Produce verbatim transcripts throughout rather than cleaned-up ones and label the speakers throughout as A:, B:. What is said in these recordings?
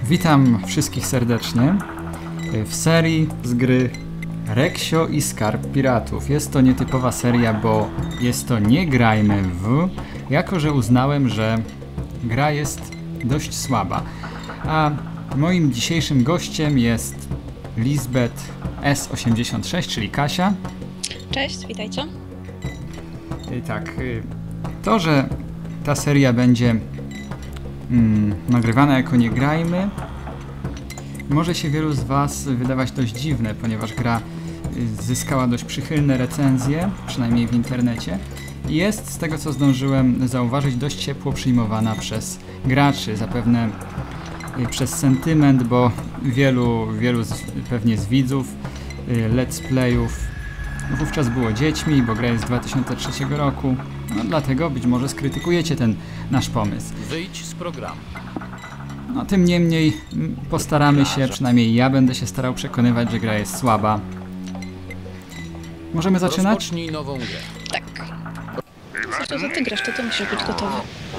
A: Witam wszystkich serdecznie w serii z gry Reksio i Skarb Piratów. Jest to nietypowa seria, bo jest to Nie grajmy w, jako że uznałem, że gra jest dość słaba. A moim dzisiejszym gościem jest Lisbeth S osiemdziesiąt sześć, czyli Kasia.
B: Cześć, witajcie.
A: I tak, to, że ta seria będzie mm, nagrywana jako Nie grajmy, może się wielu z Was wydawać dość dziwne, ponieważ gra zyskała dość przychylne recenzje, przynajmniej w internecie. I jest, z tego co zdążyłem zauważyć, dość ciepło przyjmowana przez graczy, zapewne przez sentyment, bo wielu, wielu z, pewnie z widzów let's playów wówczas było dziećmi, bo gra jest z dwa tysiące trzeciego roku, no dlatego być może skrytykujecie ten nasz pomysł.
C: Wyjdź z programu.
A: No tym niemniej postaramy się, przynajmniej ja będę się starał przekonywać, że gra jest słaba. Możemy zaczynać?
C: Rozpocznij nową grę.
B: Tak. Zresztą za ty grasz, to ty musisz być gotowy.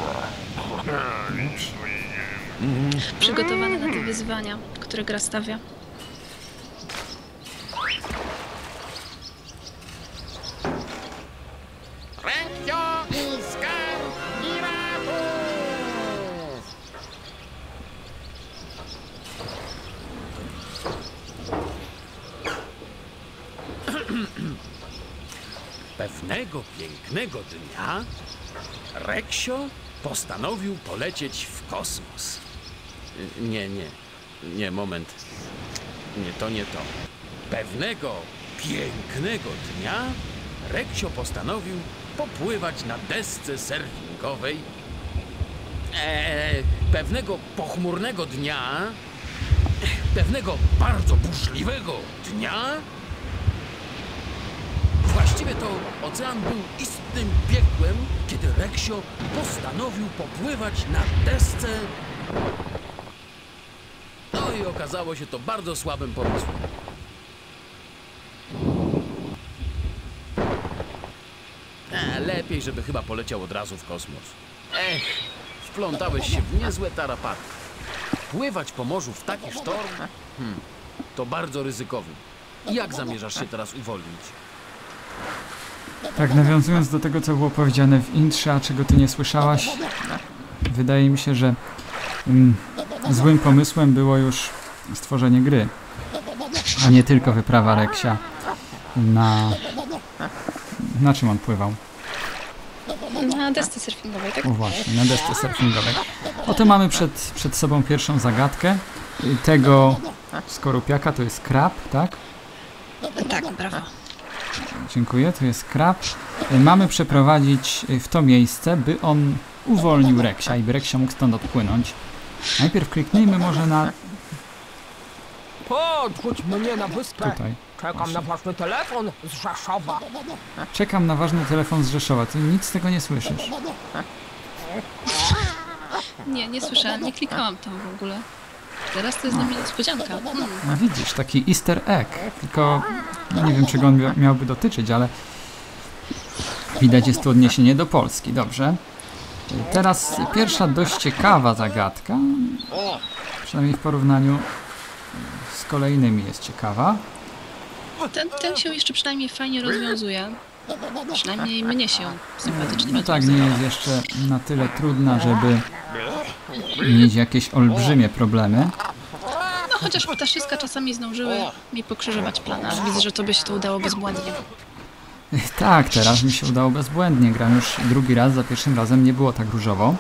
B: Przygotowany na te wyzwania, które gra stawia.
D: Reksio i Skarb Piratów!
C: Pewnego pięknego dnia Reksio postanowił polecieć w kosmos. Y, Nie, nie, nie, moment. Nie, to nie to. Pewnego pięknego dnia Reksio postanowił popływać na desce surfingowej. Eee, pewnego pochmurnego dnia, pewnego bardzo burzliwego dnia, właściwie to ocean był istnym piekłem, kiedy Reksio postanowił popływać na desce. No i okazało się to bardzo słabym pomysłem. E, lepiej, żeby chyba poleciał od razu w kosmos. Ech, wplątałeś się w niezłe tarapaty. Pływać po morzu w taki sztorm? Hmm, to bardzo ryzykowne. Jak zamierzasz się teraz uwolnić?
A: Tak, nawiązując do tego, co było powiedziane w intrze, a czego ty nie słyszałaś, wydaje mi się, że mm, złym pomysłem było już stworzenie gry, a nie tylko wyprawa Reksia na... Na czym on pływał?
B: Na desce surfingowej, tak?
A: O właśnie, na desce surfingowej. Oto mamy przed, przed sobą pierwszą zagadkę. Tego skorupiaka to jest krab, tak?
B: Tak, brawo.
A: Dziękuję, to jest krab. Mamy przeprowadzić w to miejsce, by on uwolnił Reksia i by Reksia mógł stąd odpłynąć. Najpierw kliknijmy może na...
D: Podrzuć mnie na wyspę.
A: Tutaj.
D: Czekam
A: Właśnie.
D: na ważny telefon z Rzeszowa.
A: Czekam na ważny telefon z Rzeszowa. Ty nic z tego nie słyszysz.
B: Nie, nie słyszałam, nie klikałam tam w ogóle. Teraz to jest dla mnie niespodzianka. Hmm.
A: No widzisz, taki easter egg. Tylko no nie wiem, czego on mia- miałby dotyczyć, ale widać, jest tu odniesienie do Polski. Dobrze. Teraz pierwsza dość ciekawa zagadka. Przynajmniej w porównaniu z kolejnymi jest ciekawa.
B: Ten, ten się jeszcze przynajmniej fajnie rozwiązuje. Przynajmniej mnie się sympatycznie
A: No tak,
B: rozwiązuje.
A: nie jest jeszcze na tyle trudna, żeby mieć jakieś olbrzymie problemy.
B: No chociaż ptaszyska czasami zdążyły mi pokrzyżować plan, ale widzę, że tobie się to udało bezbłędnie.
A: Tak, teraz mi się udało bezbłędnie. Gram już drugi raz, za pierwszym razem nie było tak różowo.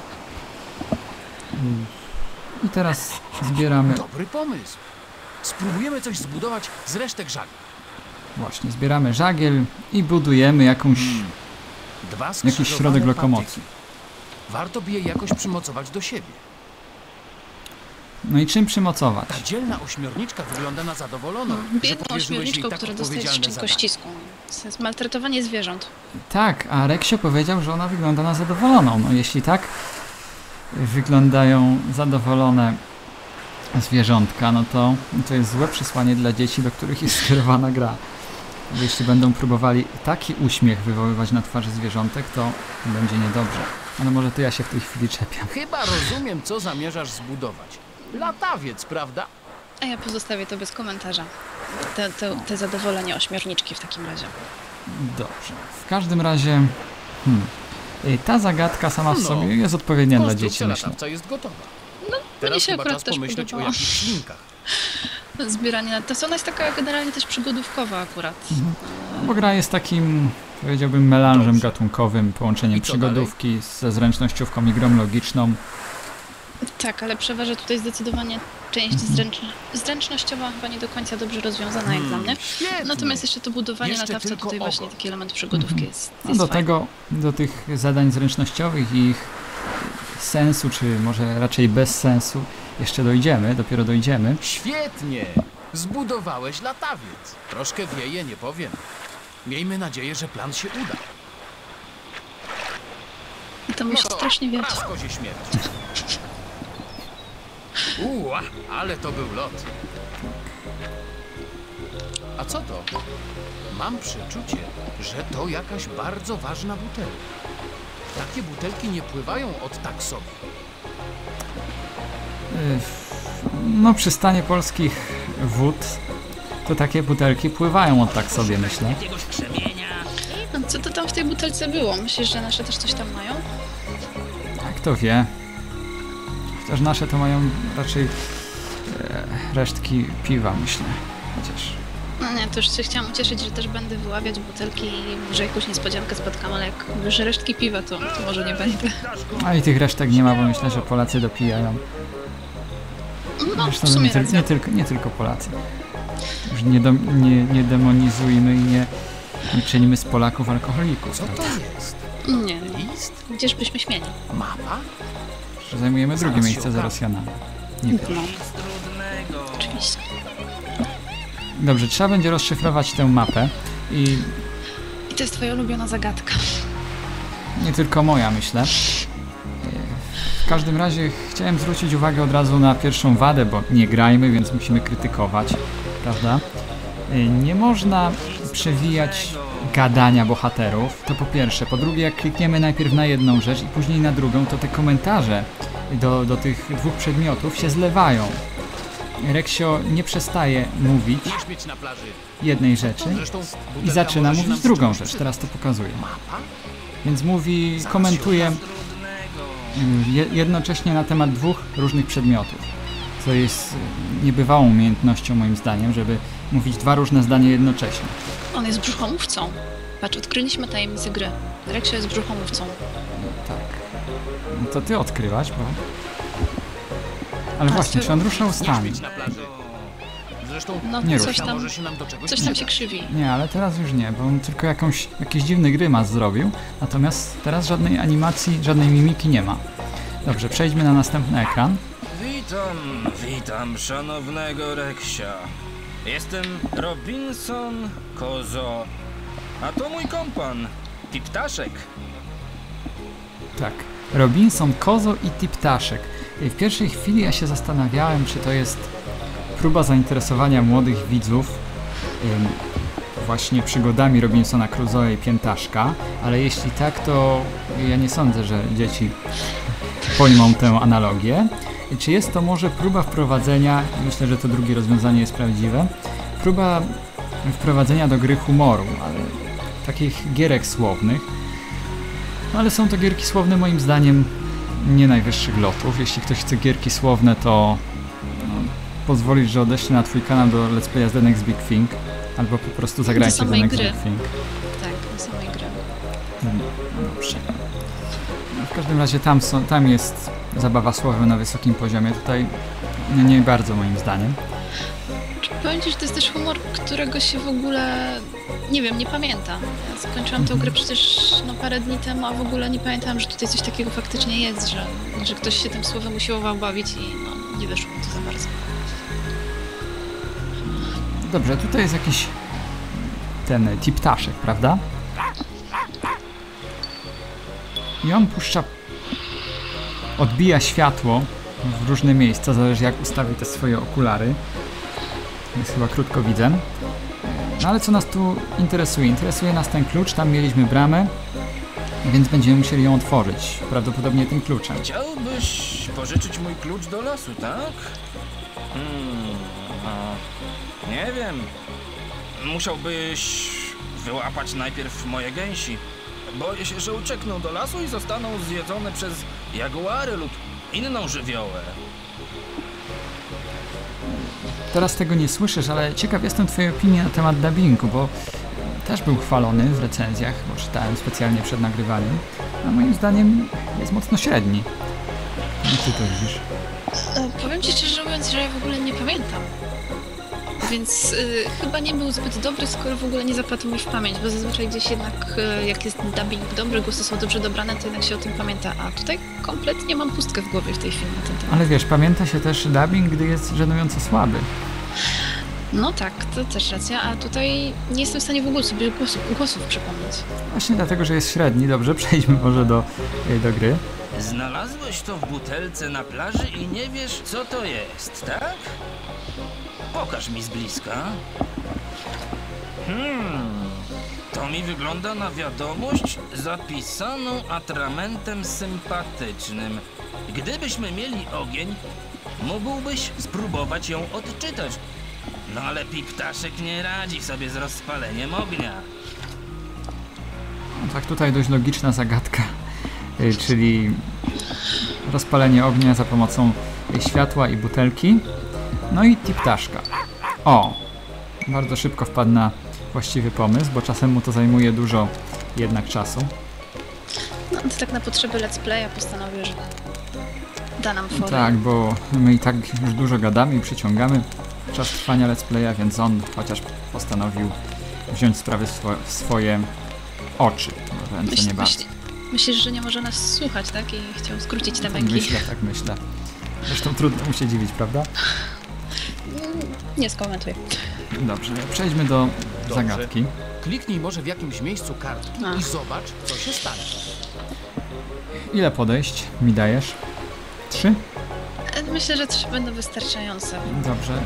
A: I teraz zbieramy...
C: Dobry pomysł. Spróbujemy coś zbudować z resztek żagli.
A: Właśnie, zbieramy żagiel i budujemy jakąś,
C: Dwa
A: jakiś
C: skrzyżowane
A: środek lokomocji.
C: patyki. Warto by je jakoś przymocować do siebie.
A: No i czym przymocować?
C: Ta dzielna ośmiorniczka wygląda na zadowoloną, że
B: Biedną
C: powierzyłeś jej
B: ośmiorniczką,
C: tak
B: która dostaje
C: odpowiedzialne
B: szczęko
C: zadanie.
B: ściską. To jest maltretowanie zwierząt.
A: Tak, a Reksio powiedział, że ona wygląda na zadowoloną. No jeśli tak wyglądają zadowolone zwierzątka, no to, to jest złe przesłanie dla dzieci, do których jest skierowana gra. Jeśli będą próbowali taki uśmiech wywoływać na twarzy zwierzątek, to będzie niedobrze. Ale może to ja się w tej chwili czepiam.
C: Chyba rozumiem, co zamierzasz zbudować. Latawiec, prawda?
B: A ja pozostawię to bez komentarza. Te, te, te zadowolenie ośmiorniczki w takim razie.
A: Dobrze. W każdym razie... Hmm. y, Ta zagadka sama w
C: No.
A: sobie jest odpowiednia dla dzieci,
C: Konstrukcja
A: myślę.
C: latawca jest gotowa.
B: No, mnie
C: Teraz
B: się
C: chyba
B: akurat
C: czas
B: też
C: pomyśleć o
B: podobała.
C: jakichś ślinkach.
B: Zbieranie na to ona jest taka generalnie też przygodówkowa akurat.
A: Bo gra jest takim, powiedziałbym, melanżem
C: Dobrze.
A: gatunkowym, połączeniem
C: I co
A: przygodówki ze zręcznościówką i grą logiczną.
B: Tak, ale przeważa tutaj zdecydowanie część zręcz... zręcznościowa, chyba nie do końca dobrze rozwiązana jak dla mnie.
C: Świetnie.
B: Natomiast jeszcze to budowanie
C: Jeszcze
B: latawca
C: tylko
B: tutaj
C: oko.
B: właśnie taki element przygodówki jest,
A: No
B: jest
A: do
B: fajny.
A: tego, do tych zadań zręcznościowych i ich sensu, czy może raczej bez sensu, jeszcze dojdziemy, dopiero dojdziemy.
C: Świetnie! Zbudowałeś latawiec. Troszkę wieje, nie powiem. Miejmy nadzieję, że plan się uda.
B: I to musi strasznie wiać.
C: raz kozie śmierć. Uła, ale to był lot. A co to? Mam przeczucie, że to jakaś bardzo ważna butelka. Takie butelki nie pływają od tak sobie.
A: Y, No przy stanie polskich wód to takie butelki pływają od tak sobie, myślę.
B: No, co to tam w tej butelce było? Myślisz, że nasze też coś tam mają?
A: A kto wie. Chociaż nasze to mają raczej e, resztki piwa, myślę. Chociaż...
B: No nie, to już się chciałam ucieszyć, że też będę wyławiać butelki i że jakąś niespodziankę spotkam, ale jak mówisz, że resztki piwa, to, to może nie będę.
A: A i tych resztek nie ma, bo myślę, że Polacy dopijają.
B: No,
A: Zresztą
B: w sumie
A: nie, tyl-
B: racja.
A: nie, tylko, nie tylko Polacy. Już nie, do, nie, nie demonizujmy i nie, nie czynimy z Polaków alkoholików.
C: Co to
A: prawda?
C: jest?
B: Nie,
C: List?
B: gdzież byśmy śmieli.
C: Mapa?
A: Że zajmujemy drugie
C: Zaraz się
A: miejsce za
C: okaże.
A: Rosjanami. Nie pierwsze.
B: No, oczywiście.
A: Dobrze, trzeba będzie rozszyfrować tę mapę i
B: I to jest twoja ulubiona zagadka.
A: nie tylko moja, myślę. W każdym razie chciałem zwrócić uwagę od razu na pierwszą wadę, bo nie grajmy, więc musimy krytykować, prawda? Nie można przewijać gadania bohaterów, to po pierwsze. Po drugie, jak klikniemy najpierw na jedną rzecz i później na drugą, to te komentarze do, do tych dwóch przedmiotów się zlewają. Reksio nie przestaje mówić
C: Nie śmieć na plaży.
A: jednej rzeczy
C: Zresztą
A: i
C: butelka
A: zaczyna
C: może się
A: mówić
C: nam
A: drugą
C: czegoś
A: rzecz,
C: przydać.
A: teraz to pokazuję.
C: Mapa?
A: Więc mówi, komentuje mm, je- jednocześnie na temat dwóch różnych przedmiotów, co jest y, niebywałą umiejętnością moim zdaniem, żeby mówić dwa różne zdania jednocześnie.
B: On jest brzuchomówcą. Patrz, odkryliśmy tajemnicę gry. Reksio jest brzuchomówcą.
A: Tak. No to ty odkryłaś, bo... Ale
B: A,
A: właśnie,
B: ty-
A: czy on rusza
C: Nie
A: ustami?
C: śmieć na plaży. Zresztą
B: No,
A: Nie
B: coś
A: rusza.
B: tam,
C: może się nam do czegoś
B: coś tam
C: przydać.
B: się krzywi.
A: Nie, ale teraz już nie, bo on tylko jakąś, jakiś dziwny grymas zrobił, natomiast teraz żadnej animacji, żadnej mimiki nie ma. Dobrze, przejdźmy na następny ekran.
E: Witam, witam szanownego Reksia. Jestem Robinson Kozo, a to mój kompan, Tiptaszek.
A: Tak. Robinson, Kozo i Tiptaszek. I w pierwszej chwili ja się zastanawiałem, czy to jest próba zainteresowania młodych widzów ym, właśnie przygodami Robinsona Crusoe i Piętaszka, ale jeśli tak, to ja nie sądzę, że dzieci pojmą tę analogię. I czy jest to może próba wprowadzenia, myślę, że to drugie rozwiązanie jest prawdziwe, próba wprowadzenia do gry humoru, ale takich gierek słownych. No ale są to gierki słowne moim zdaniem nie najwyższych lotów. Jeśli ktoś chce gierki słowne, to no, pozwolisz, że odeślę na twój kanał do Let's Playa The Next Big Thing, albo po prostu zagrajcie The
B: samej
A: Next
B: gry.
A: Big Thing.
B: Tak, do samej gry.
A: No, dobrze. No, w każdym razie tam, są, tam jest zabawa słowem na wysokim poziomie. Tutaj no, nie bardzo moim zdaniem.
B: Powiem ci, że to jest też humor, którego się w ogóle, nie wiem, nie pamiętam. Ja skończyłam tę grę przecież no, parę dni temu, a w ogóle nie pamiętałam, że tutaj coś takiego faktycznie jest, że, że ktoś się tym słowem usiłował bawić i no, nie wyszło mi to za bardzo.
A: Dobrze, tutaj jest jakiś ten Tiptaszek, prawda? I on puszcza, odbija światło w różne miejsca, zależy jak ustawi te swoje okulary. Jest chyba krótkowidzem. No ale co nas tu interesuje? Interesuje nas ten klucz, tam mieliśmy bramę. Więc będziemy musieli ją otworzyć, prawdopodobnie tym kluczem.
E: Chciałbyś pożyczyć mój klucz do lasu, tak? Hmm, no, nie wiem. Musiałbyś wyłapać najpierw moje gęsi. Boję się, że uciekną do lasu i zostaną zjedzone przez jaguary lub inną żywiołę.
A: Teraz tego nie słyszysz, ale ciekaw jestem twojej opinii na temat dubbingu, bo też był chwalony w recenzjach, bo czytałem specjalnie przed nagrywaniem, a moim zdaniem jest mocno średni. Jak ty to widzisz?
B: E, powiem ci szczerze mówiąc, że ja w ogóle nie pamiętam. Więc y, chyba nie był zbyt dobry, skoro w ogóle nie zapadł mi w pamięć, bo zazwyczaj gdzieś jednak y, jak jest dubbing dobry, głosy są dobrze dobrane, to jednak się o tym pamięta, a tutaj kompletnie mam pustkę w głowie w tej chwili na ten temat.
A: Ale wiesz, pamięta się też dubbing, gdy jest żenująco słaby.
B: No tak, to też racja, a tutaj nie jestem w stanie w ogóle sobie głosów, głosów przypomnieć.
A: Właśnie dlatego, że jest średni. Dobrze, przejdźmy może do, do gry.
E: Znalazłeś to w butelce na plaży i nie wiesz, co to jest, tak? Pokaż mi z bliska. Hmm, to mi wygląda na wiadomość zapisaną atramentem sympatycznym. Gdybyśmy mieli ogień, mógłbyś spróbować ją odczytać. No ale Piptaszek nie radzi sobie z rozpaleniem ognia.
A: No tak, tutaj dość logiczna zagadka, y, czyli rozpalenie ognia za pomocą światła i butelki. No i tiptaszka. O! Bardzo szybko wpadł na właściwy pomysł, bo czasem mu to zajmuje dużo jednak czasu.
B: No to tak na potrzeby let's playa postanowił, że da nam forę.
A: Tak, bo my i tak już dużo gadamy i przyciągamy czas trwania let's playa, więc on chociaż postanowił wziąć sprawy swo w swoje oczy. Może ręce
B: Myśl,
A: nie bardzo.
B: myśl, myślisz, że nie może nas słuchać, tak? I chciał skrócić te
A: Tak
B: męki.
A: myślę, tak myślę. Zresztą trudno mu się dziwić, prawda?
B: Nie skomentuję.
A: Dobrze, przejdźmy do
C: Dobrze.
A: zagadki.
C: Kliknij może w jakimś miejscu kartki
B: A.
C: i zobacz, co się stanie.
A: Ile podejść mi dajesz? Trzy?
B: E, Myślę, że trzy będą wystarczające.
A: Dobrze.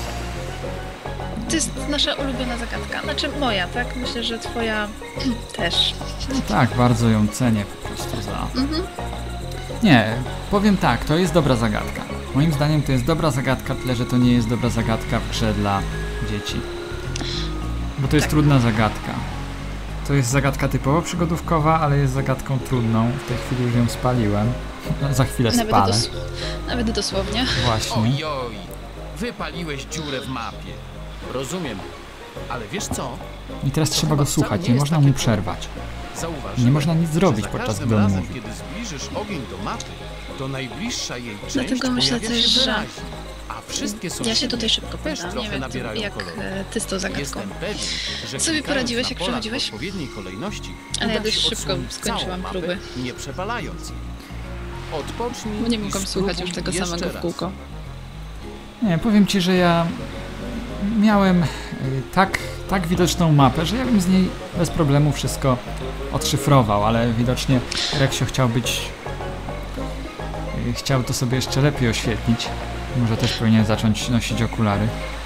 B: To jest nasza ulubiona zagadka. Znaczy moja, tak? Myślę, że twoja też.
A: Tak, bardzo ją cenię po prostu za...
B: Mhm.
A: Nie, powiem tak, to jest dobra zagadka. Moim zdaniem to jest dobra zagadka, tyle że to nie jest dobra zagadka w grze dla dzieci. Bo to jest
B: Tak.
A: trudna zagadka. To jest zagadka typowo przygodówkowa, ale jest zagadką trudną. W tej chwili już ją spaliłem. No, za chwilę
B: Nawet,
A: spalę.
B: dos nawet dosłownie.
A: Właśnie.
C: Ojoj, wypaliłeś dziurę w mapie. Rozumiem, ale wiesz co?
A: I teraz trzeba go
C: chyba wcale
A: słuchać,
C: nie
A: nie
C: jest
A: można
C: takie
A: mu
C: trudne.
A: przerwać.
C: Zauważyłem,
A: Nie można nic zrobić
C: że za
A: podczas
C: każdym
A: gdy on
C: razem,
A: mówi.
C: kiedy zbliżysz ogień do mapy, to najbliższa jej część
B: Dlatego myślę
C: pojawia
B: też,
C: się
B: że-
C: wyraźnie, a wszystkie sąsiednie
B: Ja się tutaj szybko
C: też
B: poddam.
C: trochę
B: Nie wiem,
C: nabierają
B: jak
C: koloru.
B: e, ty z tą zagadką.
C: Jestem pewien, że
B: Sobie
C: klikając
B: poradziłeś,
C: na
B: jak
C: polach
B: przechodziłeś?
C: w odpowiedniej kolejności,
B: Ale
C: uda
B: ja dość
C: się
B: szybko
C: odsłonić
B: skończyłam
C: całą mapę,
B: próby.
C: nie przepalając jej. Odpocznij
B: Bo nie
C: i
B: mogłam
C: spróbuj
B: słuchać już tego
C: jeszcze
B: samego w
C: raz.
B: kółko.
A: Nie, powiem ci, że ja miałem y, tak, tak widoczną mapę, że ja bym z niej bez problemu wszystko odszyfrował, ale widocznie Reksio chciał być... y, chciał to sobie jeszcze lepiej oświetlić. Może też powinien zacząć nosić okulary.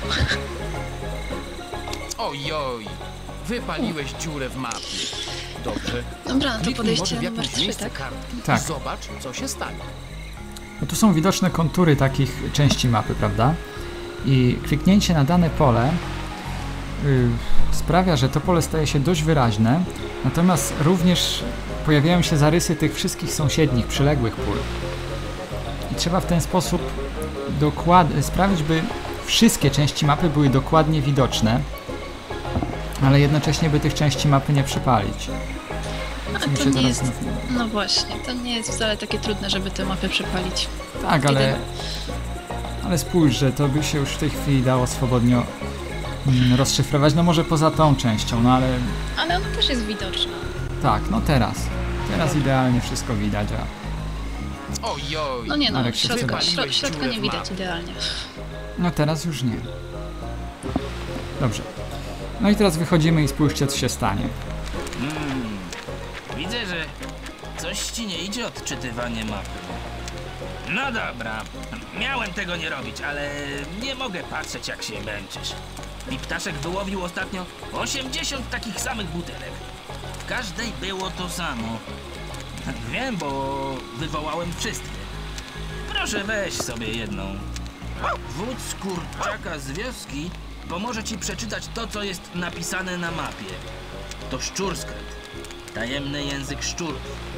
C: Ojoj, wypaliłeś dziurę w mapie. Dobrze,
B: Dobra, no to
C: kliknij może
B: podejście
C: w
B: numer
C: jakimś
B: trzy,
C: miejscu
B: tak?
C: kartki
A: Tak.
C: i zobacz, co się stanie.
A: No tu są widoczne kontury takich części mapy, prawda? I kliknięcie na dane pole y, sprawia, że to pole staje się dość wyraźne, natomiast również pojawiają się zarysy tych wszystkich sąsiednich, przyległych pól. I trzeba w ten sposób dokładnie sprawić, by wszystkie części mapy były dokładnie widoczne, ale jednocześnie by tych części mapy nie przepalić.
B: A
A: Mi
B: to
A: się
B: nie
A: teraz
B: jest...
A: nie-
B: No właśnie, to nie jest wcale takie trudne, żeby tę mapę przepalić.
A: Tak, ale,
B: Jedyne.
A: ale spójrz, że to by się już w tej chwili dało swobodnie mm, rozszyfrować, no może poza tą częścią, no ale
B: Ale ona też jest widoczna.
A: tak, no teraz. Teraz idealnie wszystko widać, a
C: Ojoj,
B: No nie no,
A: Marek się
B: środka,
C: wypaliłeś
B: środ, środka
C: dziurę
B: nie
C: w
B: widać
C: mapie.
B: idealnie.
A: no teraz już nie. Dobrze. No i teraz wychodzimy i spójrzcie, co się stanie.
E: Hmm, widzę, że coś ci nie idzie odczytywanie mapy. No dobra, miałem tego nie robić, ale nie mogę patrzeć, jak się męczysz. Piptaszek wyłowił ostatnio osiemdziesiąt takich samych butelek. w każdej było to samo. Wiem, bo wywołałem wszystkie. Proszę, weź sobie jedną. Wódz kurczaka z wioski pomoże ci przeczytać to, co jest napisane na mapie. To szczurskrypt. Tajemny język szczurów.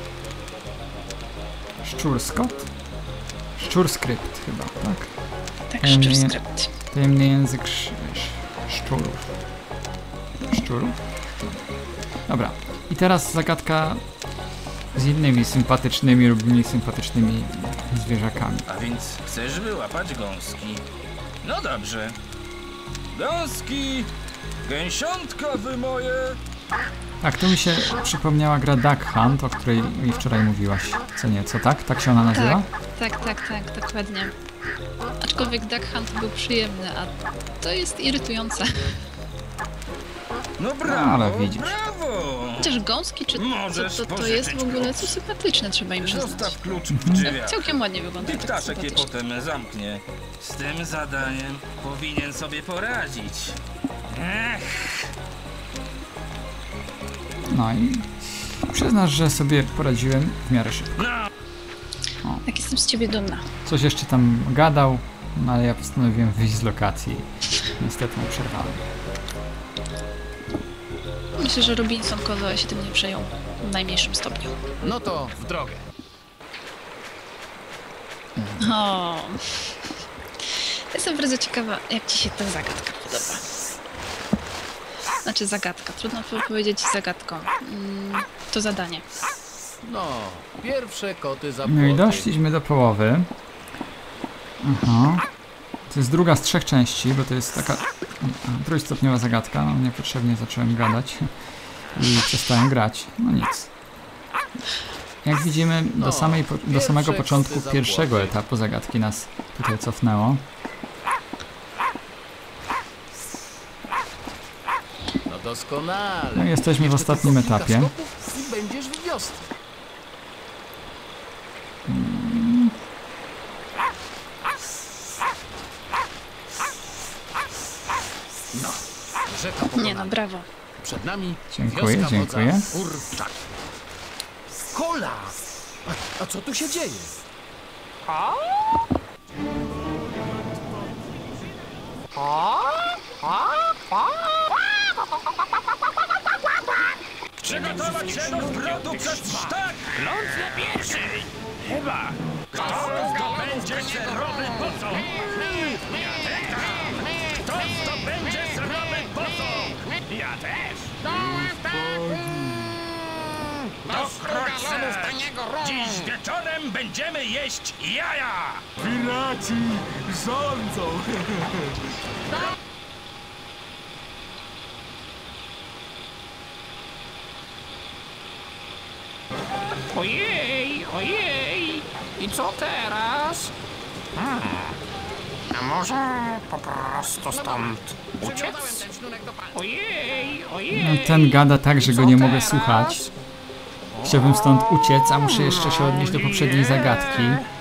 A: Szczurskot? Szczurskrypt chyba, tak?
B: Tak,
A: Tajemny,
B: szczurskrypt.
A: tajemny język sz, sz, szczurów. Szczurów? Dobra. I teraz zagadka z innymi sympatycznymi lub mniej sympatycznymi zwierzakami.
E: A więc chcesz wyłapać gąski? No dobrze. Gąski! Gęsiątka wy moje!
A: Tak, tu mi się przypomniała gra Duck Hunt, o której mi wczoraj mówiłaś. Co nieco, tak? Tak się ona nazywa?
B: Tak, tak, tak, tak, dokładnie. Aczkolwiek Duck Hunt był przyjemny, a to jest irytujące.
E: No
A: No,
E: brawo,
A: ale widzisz.
E: brawo!
B: Chociaż gąski, czy
E: Możesz
B: co to, to
E: pożyczyć
B: jest w ogóle
E: klucz.
B: coś sympatyczne, trzeba im przyznać.
E: Zostaw klucz w drzwiach.
B: Całkiem ładnie wygląda.
E: I
B: tak
E: ptaszek je
B: sympatycznie.
E: potem zamknie. Z tym zadaniem powinien sobie poradzić. Ech,
A: No i przyznasz, że sobie poradziłem w miarę szybko.
E: no,
B: Tak, jestem z ciebie dumna.
A: Coś jeszcze tam gadał, no ale ja postanowiłem wyjść z lokacji. Niestety mu przerwałem.
B: Myślę, że Robinson Crusoe się tym nie przejął w najmniejszym stopniu.
C: No to w drogę.
B: O. Jestem bardzo ciekawa, jak ci się ta zagadka podoba. Znaczy zagadka, trudno powiedzieć zagadką. Mm, to zadanie.
C: No, pierwsze koty za
A: No i
C: płoty.
A: doszliśmy do połowy. Aha. To jest druga z trzech części, bo to jest taka a, trójstopniowa zagadka. No, niepotrzebnie zacząłem gadać i przestałem grać. No nic. Jak widzimy, do,
C: No,
A: samej, po- do samego
C: pierwsze
A: początku
C: koty za
A: pierwszego
C: płoty.
A: etapu zagadki nas tutaj cofnęło.
C: No doskonale.
A: No i jesteśmy w
C: Jeszcze
A: ostatnim
C: tylko kilka
A: etapie.
C: skoków i będziesz w wiosce. No, rzeka
B: Nie
C: pokonana.
B: no, brawo.
C: Przed nami
A: Dziękuję,
C: wioska
A: dziękuję.
C: wodza Kurczak. Kola! A, a co tu się dzieje?
D: A? A? A? A?
E: przygotować się do zwrotu przez sztak! Ląd na pierwszy! Chyba! Kto zdobędzie zerowy posąg? Kto zdobędzie zerowy posąg? Ja też! Wkrótce! Dziś wieczorem będziemy jeść jaja!
F: Piraci rządzą!
D: Ojej, ojej. I co teraz? Hmm. A może po prostu stąd uciec? Ojej, ojej.
A: No, ten gada tak, że
D: I
A: go
D: co
A: nie mogę
D: teraz?
A: słuchać. Chciałbym stąd uciec, a muszę jeszcze się odnieść do poprzedniej zagadki.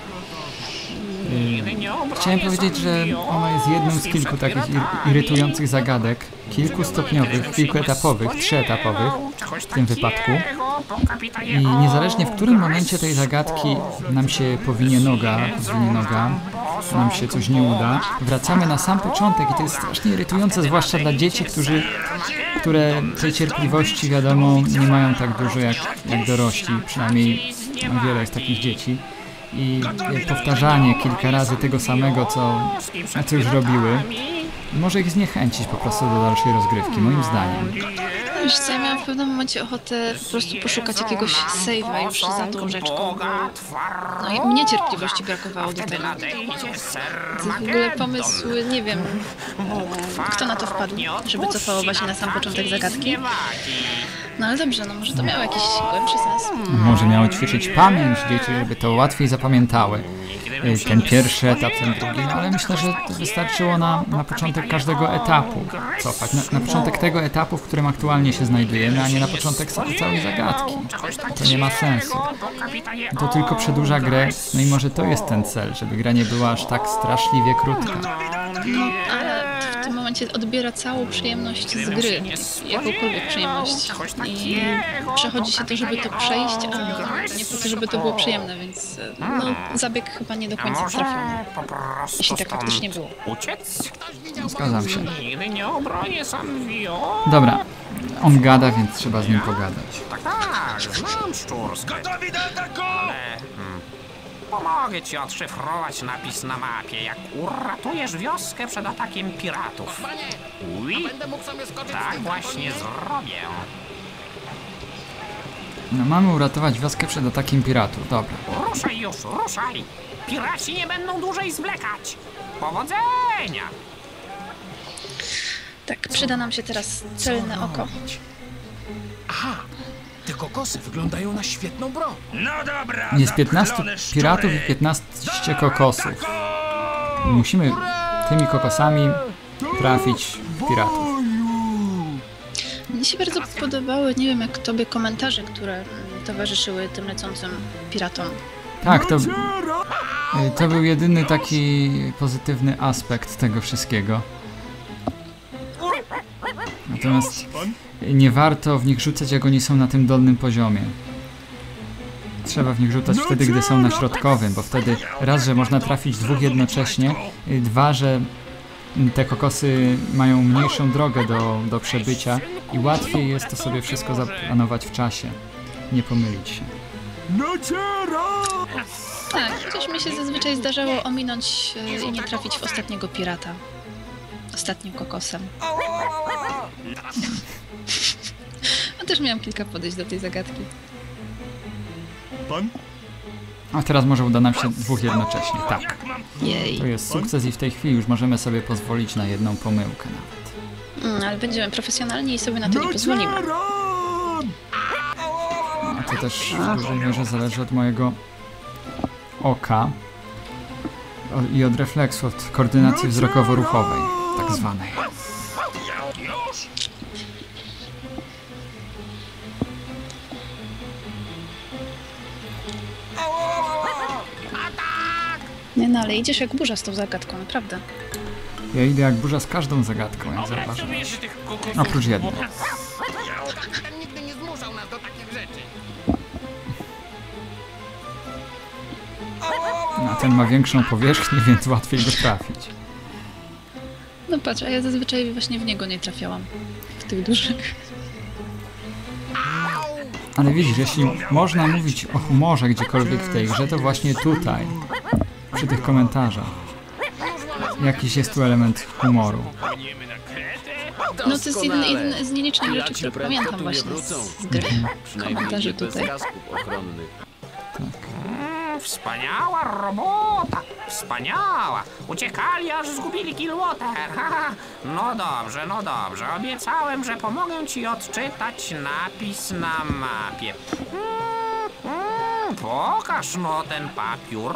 D: Nigdy nie obronię
A: Chciałem powiedzieć, że ona jest jedną z kilku takich ir- irytujących zagadek, kilkustopniowych, kilkuetapowych, trzyetapowych w tym wypadku. I niezależnie w którym momencie tej zagadki nam się powinie noga, zwinie noga, nam się coś nie uda, wracamy na sam początek i to jest strasznie irytujące, zwłaszcza dla dzieci, którzy, które tej cierpliwości, wiadomo, nie mają tak dużo jak, jak dorośli, przynajmniej wiele jest takich dzieci. I powtarzanie kilka razy tego samego, co, co już robiły, może ich zniechęcić po prostu do dalszej rozgrywki, moim zdaniem.
B: Wiesz co, ja miałam w pewnym momencie ochotę po prostu poszukać jakiegoś save'a już za tą rzeczką, bo no i mnie cierpliwości brakowało do tego. To w ogóle pomysł, nie wiem, kto na to wpadł, żeby cofało właśnie na sam początek zagadki. No ale dobrze, no może to miało jakiś głębszy sens.
A: Może miało ćwiczyć pamięć dzieci, żeby to łatwiej zapamiętały. Y, Ten pierwszy etap, ten drugi, no ale myślę, że to wystarczyło na, na początek każdego etapu cofać. Na, na początek tego etapu, w którym aktualnie się znajdujemy, a nie na początek sa- całej zagadki. To nie ma sensu. To tylko przedłuża grę, no i może to jest ten cel, żeby gra nie była aż tak straszliwie krótka.
B: No ale w tym momencie momencie odbiera całą przyjemność z
D: Gdybym się
B: gry,
D: nie
B: jakąkolwiek przyjemność.
D: czegoś
B: I
D: takiego,
B: przechodzi
D: to
B: się to, żeby to przejść, a
D: Kapitanie
B: nie po to, żeby to było przyjemne, więc no, zabieg chyba nie do
D: A
B: końca
D: może
B: trafiony.
D: po prostu
B: Jeśli tak
D: stąd
B: faktycznie było.
D: uciec?
A: Zgadzam się.
D: Nigdy nie obronię sam wio.
A: Dobra, on gada, więc trzeba z nim pogadać.
D: Tak, tak, znam szczurskę. Gotowi do ataku! Ale, hmm, pomogę ci odszyfrować napis na mapie, jak uratujesz wioskę przed atakiem piratów. Ui, tak właśnie zrobię.
A: No, mamy uratować wioskę przed atakiem piratów, dobra.
D: Ruszaj już, ruszaj! Piraci nie będą dłużej zwlekać. Powodzenia!
B: Tak, przyda nam się teraz celne oko.
C: Aha, te kokosy wyglądają na świetną broń.
E: No dobra,
A: Jest piętnastu
E: zapchlone szczury.
A: piratów i piętnaście kokosów. Musimy tymi kokosami trafić w piratów.
B: Mnie się bardzo podobały, nie wiem jak tobie, komentarze, które mm, towarzyszyły tym lecącym piratom.
A: Tak, to, to był jedyny taki pozytywny aspekt tego wszystkiego. Natomiast nie warto w nich rzucać, jak oni są na tym dolnym poziomie. Trzeba w nich rzucać wtedy, gdy są na środkowym, bo wtedy raz, że można trafić dwóch jednocześnie, dwa, że te kokosy mają mniejszą drogę do, do przebycia i łatwiej jest to sobie wszystko zaplanować w czasie. Nie pomylić się.
B: Tak, chociaż mi się zazwyczaj zdarzało ominąć e, i nie trafić w ostatniego pirata. Ostatnim kokosem. A też miałam kilka podejść do tej zagadki.
A: A teraz może uda nam się dwóch jednocześnie, tak.
B: Jej.
A: To jest sukces i w tej chwili już możemy sobie pozwolić na jedną pomyłkę nawet.
B: Mm, ale będziemy profesjonalni i sobie na to nie pozwolimy.
A: A to też w dużej mierze zależy od mojego oka o- i od refleksu, od koordynacji wzrokowo-ruchowej, tak zwanej.
B: Nie no, ale idziesz jak burza z tą zagadką, naprawdę.
A: Ja idę jak burza z każdą zagadką, jak zauważyłem. Oprócz jednej.
C: Ten nigdy nie zmuszał nas do takich rzeczy.
A: A ten ma większą powierzchnię, więc łatwiej go trafić.
B: No patrz, a ja zazwyczaj właśnie w niego nie trafiałam. W tych dużych.
A: Ale widzisz, jeśli można mówić o humorze gdziekolwiek w tej grze, to właśnie tutaj, przy tych komentarzach, jakiś jest tu element humoru.
B: No to jest jeden,
C: Doskonale.
B: jeden z nielicznych rzeczy,
C: Piraci
B: które
C: prędko
B: pamiętam
C: tu nie
B: właśnie
C: wrócą.
B: z, z gry.
C: Przynajmniej
B: Komentarze
C: nie bez
B: tutaj.
C: gasków ochronnych.
D: Mm, wspaniała robota, wspaniała. Uciekali, aż zgubili Killwater. Haha. No dobrze, no dobrze. Obiecałem, że pomogę ci odczytać napis na mapie. Mm, mm, pokaż no ten papier.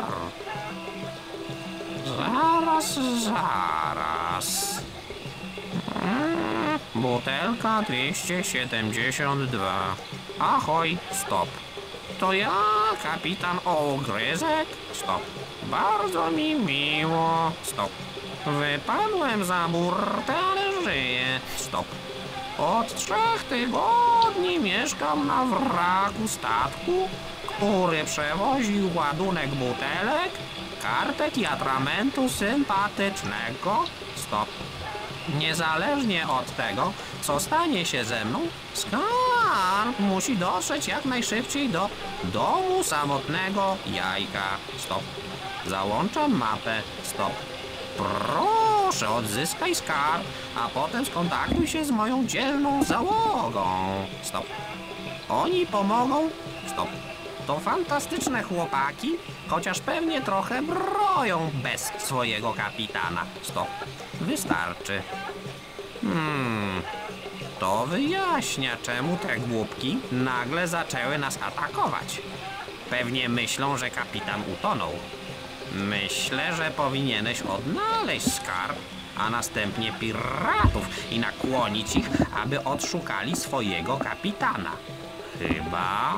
D: Zaraz, zaraz. Mm, butelka dwieście siedemdziesiąt dwa. Ahoj, stop. To ja, kapitan Ogryzek? Stop. Bardzo mi miło. Stop. Wypadłem za burtę, ale żyję. Stop. Od trzech tygodni mieszkam na wraku statku, który przewoził ładunek butelek, kartek i atramentu sympatycznego. Stop. Niezależnie od tego, co stanie się ze mną, skarb musi dotrzeć jak najszybciej do domu samotnego jajka. Stop. Załączam mapę. Stop. Proszę, odzyskaj skarb, a potem skontaktuj się z moją dzielną załogą. Stop. Oni pomogą. Stop. To fantastyczne chłopaki, chociaż pewnie trochę broją bez swojego kapitana. Stop. Wystarczy. Hmm. To wyjaśnia, czemu te głupki nagle zaczęły nas atakować. Pewnie myślą, że kapitan utonął. Myślę, że powinieneś odnaleźć skarb, a następnie piratów i nakłonić ich, aby odszukali swojego kapitana. Chyba...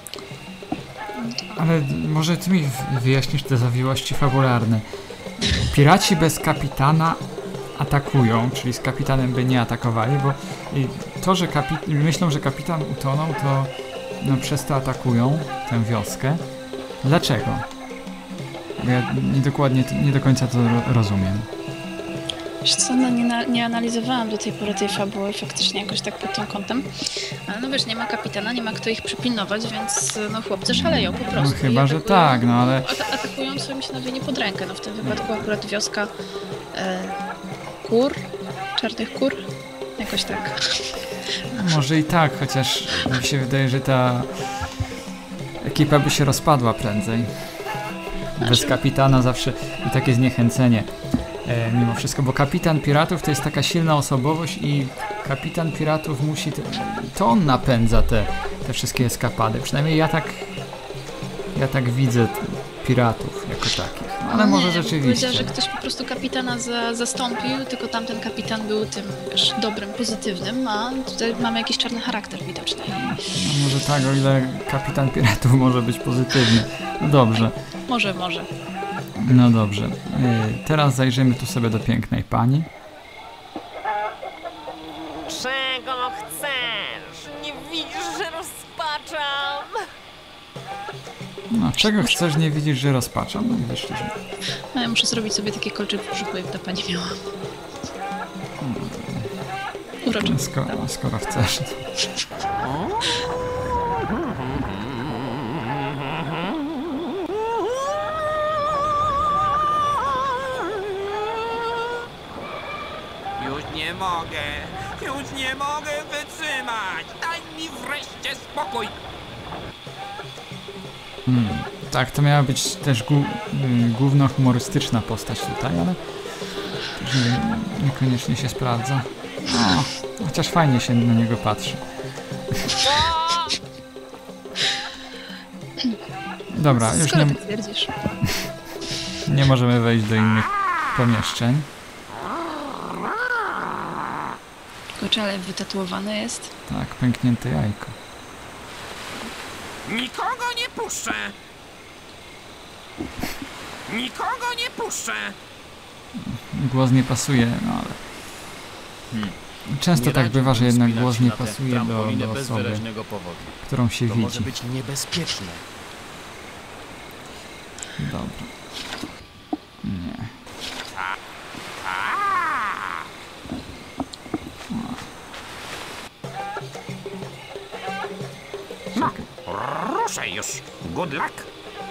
A: Ale może ty mi wyjaśnisz te zawiłości fabularne. piraci bez kapitana atakują, czyli z kapitanem by nie atakowali, bo y, to, że kapi- myślą, że kapitan utonął, to no, przez to atakują tę wioskę. Dlaczego? Bo ja nie, dokładnie, nie do końca to ro- rozumiem.
B: Wiesz co, no nie, na, nie analizowałam do tej pory tej fabuły faktycznie jakoś tak pod tym kątem. Ale no wiesz, nie ma kapitana, nie ma kto ich przypilnować, więc no chłopcy szaleją po
A: No
B: prostu.
A: chyba,
B: I
A: że
B: atakują-
A: tak, no ale
B: Ata- atakują, co mi się nawie nie pod rękę. No w tym wypadku akurat wioska e, kur, czarnych kur, jakoś tak.
A: może i tak, chociaż mi się wydaje, że ta ekipa by się rozpadła prędzej. Bez kapitana zawsze i takie zniechęcenie e, mimo wszystko, bo kapitan piratów to jest taka silna osobowość i kapitan piratów musi, te, to on napędza te, te wszystkie eskapady, przynajmniej ja tak ja tak widzę t- piratów jako takich, no, ale
B: No
A: może
B: nie,
A: rzeczywiście.
B: Powiedziała, że ktoś po prostu kapitana za, zastąpił, tylko tamten kapitan był tym, wiesz, dobrym, pozytywnym, a tutaj mamy jakiś czarny charakter widoczny.
A: No może tak, o ile kapitan piratów może być pozytywny. No dobrze.
B: Może, może.
A: No dobrze. Yy, teraz zajrzymy tu sobie do pięknej pani.
G: Czego chcesz? Nie widzisz, że rozpaczam?
A: No, czego chcesz, nie widzisz, że rozpaczam? No i wyszliśmy.
B: No, ja muszę zrobić sobie taki kolczyk w brzuchu, jak ta pani miała. Uroczy.
A: Skoro, skoro chcesz.
D: Już nie mogę, już nie mogę wytrzymać. Daj mi wreszcie spokój.
A: Hmm. Tak, to miała być też gu, y, główno humorystyczna postać tutaj, ale też nie, niekoniecznie się sprawdza. O, chociaż fajnie się na niego patrzy. Dobra, już
B: Skoro
A: nie,
B: tak twierdzisz.
A: nie możemy wejść do innych pomieszczeń.
B: Kurczę, ale wytatuowane jest.
A: Tak, pęknięte jajko.
D: Nikogo nie puszczę. Nikogo nie puszczę.
A: Głos nie pasuje, no ale... Często
C: Nie
A: tak
C: radziłbym
A: bywa, że jednak
C: wspinać
A: głos
C: się
A: nie
C: na tę
A: pasuje do,
C: trampolinę
A: do
C: bez
A: osoby,
C: wyraźnego powodu.
A: którą się
C: To może
A: widzi.
C: być niebezpieczne.
A: Dobra. Nie.
D: No, ruszaj już. Good luck.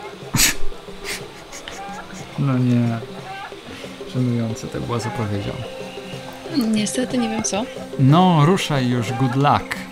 A: No nie. Żenujące to było, co powiedział.
B: Niestety nie wiem co.
A: No, ruszaj już, good luck.